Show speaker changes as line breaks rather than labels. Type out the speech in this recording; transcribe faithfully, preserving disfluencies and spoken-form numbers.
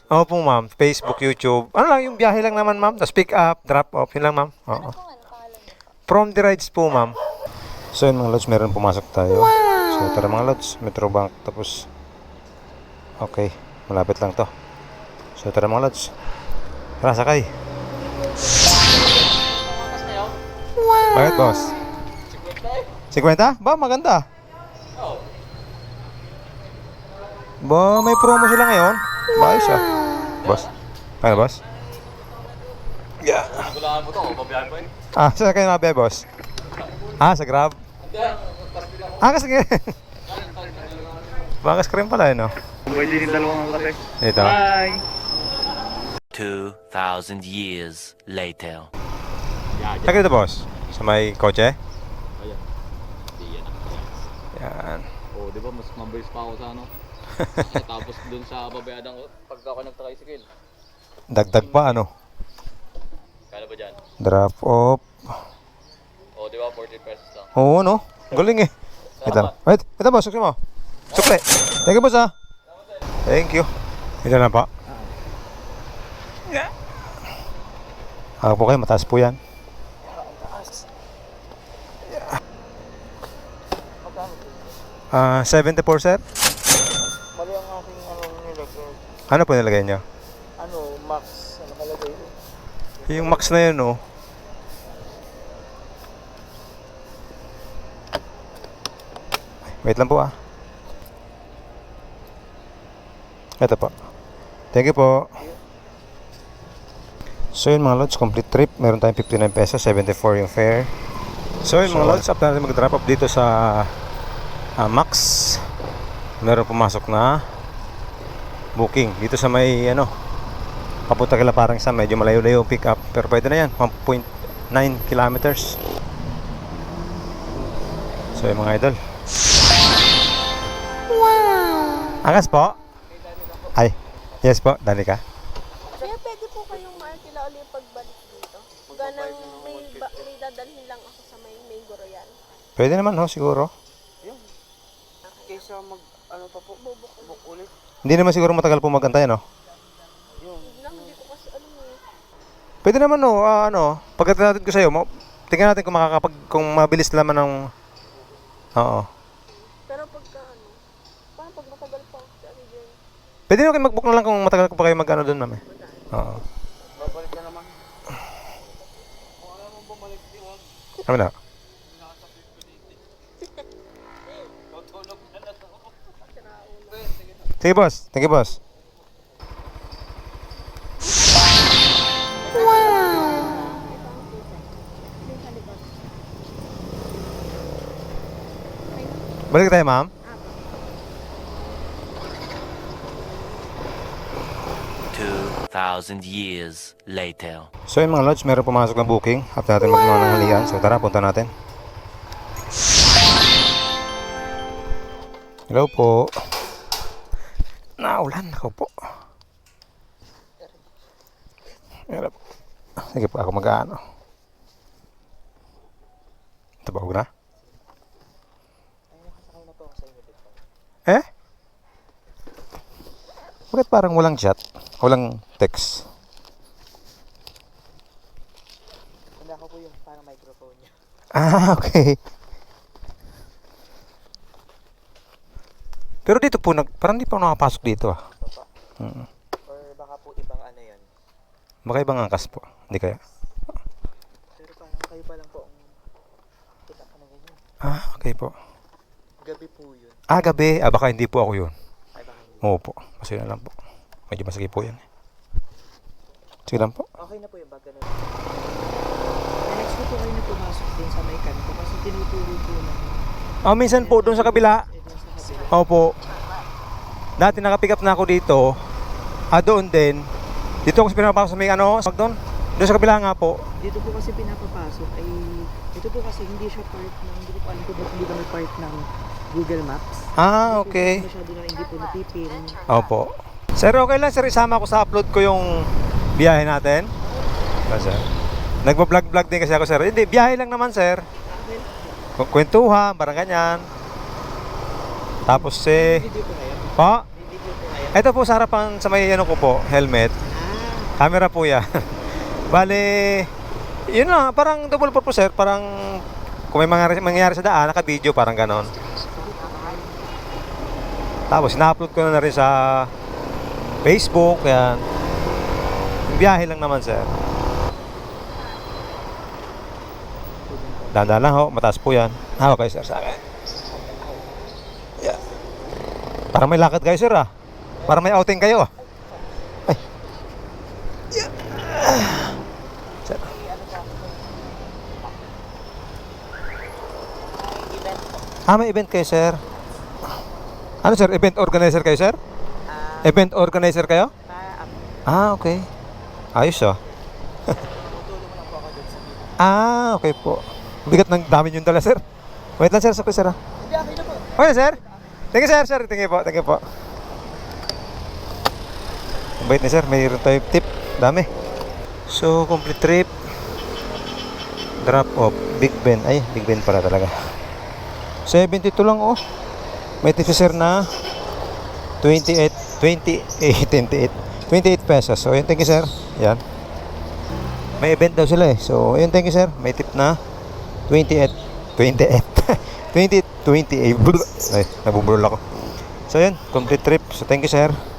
Opo, ma'am. Facebook, YouTube. Ano lang, yung biyahe lang naman, ma'am. Tapos pick up, drop off. Yun lang, ma'am. Oo. From the rides po, ma'am. So, yun mga lods, meron pumasok tayo. So, tara mga lods, Metrobank. Tapos, okay. Malapit lang to. So, tara mga lods. Tara, sakay. Wow! Bakit, boss? fifty? Ba, maganda. Ba, may promo sila ngayon. Ba, ayos ah. Boss. Ano, boss? Yeah.
Gulaan mo to, babiyahin pa yun.
Ah, saan kayo nabiya, boss? Ah, sa Grab? Ah, kasi Bakas ka rin pala, no?
Pwede din dalawang kape.
Ito.
Bye!
Two thousand years later.
Saan dito, boss? Sa may kotse?
Ayan. Di yan ang
Yan.
oh, di ba mas mabilis pa ako sa ano? Tapos dun sa babayadang ko, pag ako nag-tricycle.
Dagdag pa, ano?
Kala ba dyan?
Drop off.
Oh, di ba forty pesos lang?
Oo, no? Galing eh. Ito. Wait, ito boss, sukli mo. Sukli. Thank you, boss, ah. Thank you. Ito na pa. Ako po kayo, mataas po yan. Ah, seventy-four, sir?
Mali ang aking ano nilagay.
Ano po nilagay nyo?
Ano, max, ano kalagay?
Yung max na yun, oh. Wait lang po, ah. Ito po. Thank you po. So yun mga lods, complete trip. Meron tayong fifty-nine pesos, seventy-four yung fare. So yun mga lods, after natin mag-drop off dito sa uh, Max, meron pumasok na booking dito sa may ano, papunta kila parang sa medyo malayo-layo yung pick up, pero pwede na yan, one point nine kilometers. So yun mga idol. Wow! Angas po? Ay, yes po, Danica.
Kaya pwede po kayong maarkila ulit pagbalik dito. Ganang may, ba, may dadalhin lang ako sa may Mango Royal.
Pwede naman ho, siguro.
Kaysa mag, ano pa po, bubuk ulit.
Hindi naman siguro matagal po magantay, no?
Yun.
Lang, hindi ko kasi alam eh.
Pwede naman, no, ah, ano, pagkatid natin ko sa'yo, mo, tingnan natin kung makakapag, kung mabilis naman ng, oo.
Pero pagka ano, parang pag matagal pa ako sa ano dyan.
Pwede naman kayo mag-book na lang kung matagal ko pa kayo mag-ano doon, ma'am, eh. Oo.
Babalik na naman.
Ano na? Sige, boss. Thank you, boss. Balik tayo, ma'am.
Two thousand years later.
So yun mga lods, meron pumasok na booking. After natin magmananghalian. So tara, punta natin. Hello po. Naulan ako po. Hello po. Sige po, ako mag-ano. Ito ba, huwag na? Eh? Bakit parang walang chat? Walang text?
Wala ko po yung parang microphone niya.
Ah, okay. Pero dito po, nag, parang di pa ako nakapasok dito ah.
Papa.
Mm.
Or baka po ibang ano yan.
Baka ibang angkas po. Hindi kaya?
Pero parang kayo pa lang po ang kita ka na ganyan.
Ah, okay po.
Gabi po yun.
Ah, gabi. Ah, baka hindi po ako yun.
Ay baka yun.
Oo po. Masaya na lang po. Medyo masakit po yan. Sige lang po.
Okay na po yung bag ganun. Next po po kayo na pumasok din sa may kanto kasi tinuturo po lang.
Oh, minsan po doon sa kabila.
Eh, dun sa kabila.
Opo. Dati nakapick up na ako dito. Ah, doon din. Dito ako sa pinapasok sa may ano, sa doon. Doon sa kabila nga po.
Dito po kasi pinapapasok ay ito po kasi hindi siya part ng hindi ko po alam kung ba't hindi kami part ng Google Maps.
Ah, okay.
Hindi po masyado na hindi po napipin.
Opo. Sir, okay lang sir, isama ko sa upload ko yung biyahe natin. Kasi nagba-vlog-vlog din kasi ako sir. Hindi, biyahe lang naman sir. Ku- Kwentuhan, parang ganyan. Tapos eh,
Video po ngayon.
pa,
May video po ngayon.
Ito po sa harapan sa may ano ko po, helmet. Camera po yan. Bale, yun na, parang double purpose sir. Parang kung may mangyari, mangyari sa daan, naka-video, parang ganon. Tapos, ina-upload ko na, na rin sa Facebook, yan. Biyahe lang naman sir. Dahan-dahan lang ho, mataas po yan. Ah, okay sir, sa akin. Yeah. Parang may lakad kayo sir ah. Parang may outing kayo ah. Ay. Yeah. Sir. Ah, may event kayo sir. Ano sir, event organizer kayo sir? Event organizer kayo? Ah, okay. Ayos ah. Ah, okay po. Bigat ng dami yung dala, sir. Wait lang, sir. Sakit, sir. Ah. Okay na, sir. Thank you, sir. Sir, thank you po. Thank you po. Ang bait ni sir. Mayroon tayo tip. Dami. So, complete trip. Drop off. Big Ben. Ay, Big Ben pala talaga. seventy-two lang, oh. May tip si sir na twenty-eight, twenty-eight, twenty-eight, twenty-eight pesos. So, yun. Thank you, sir. Yan. May event daw sila eh. So, ayun, thank you sir. May tip na twenty-eight, twenty-eight, twenty, twenty-eight. Ay, nabubulol ako. So, ayun, complete trip. So, thank you sir.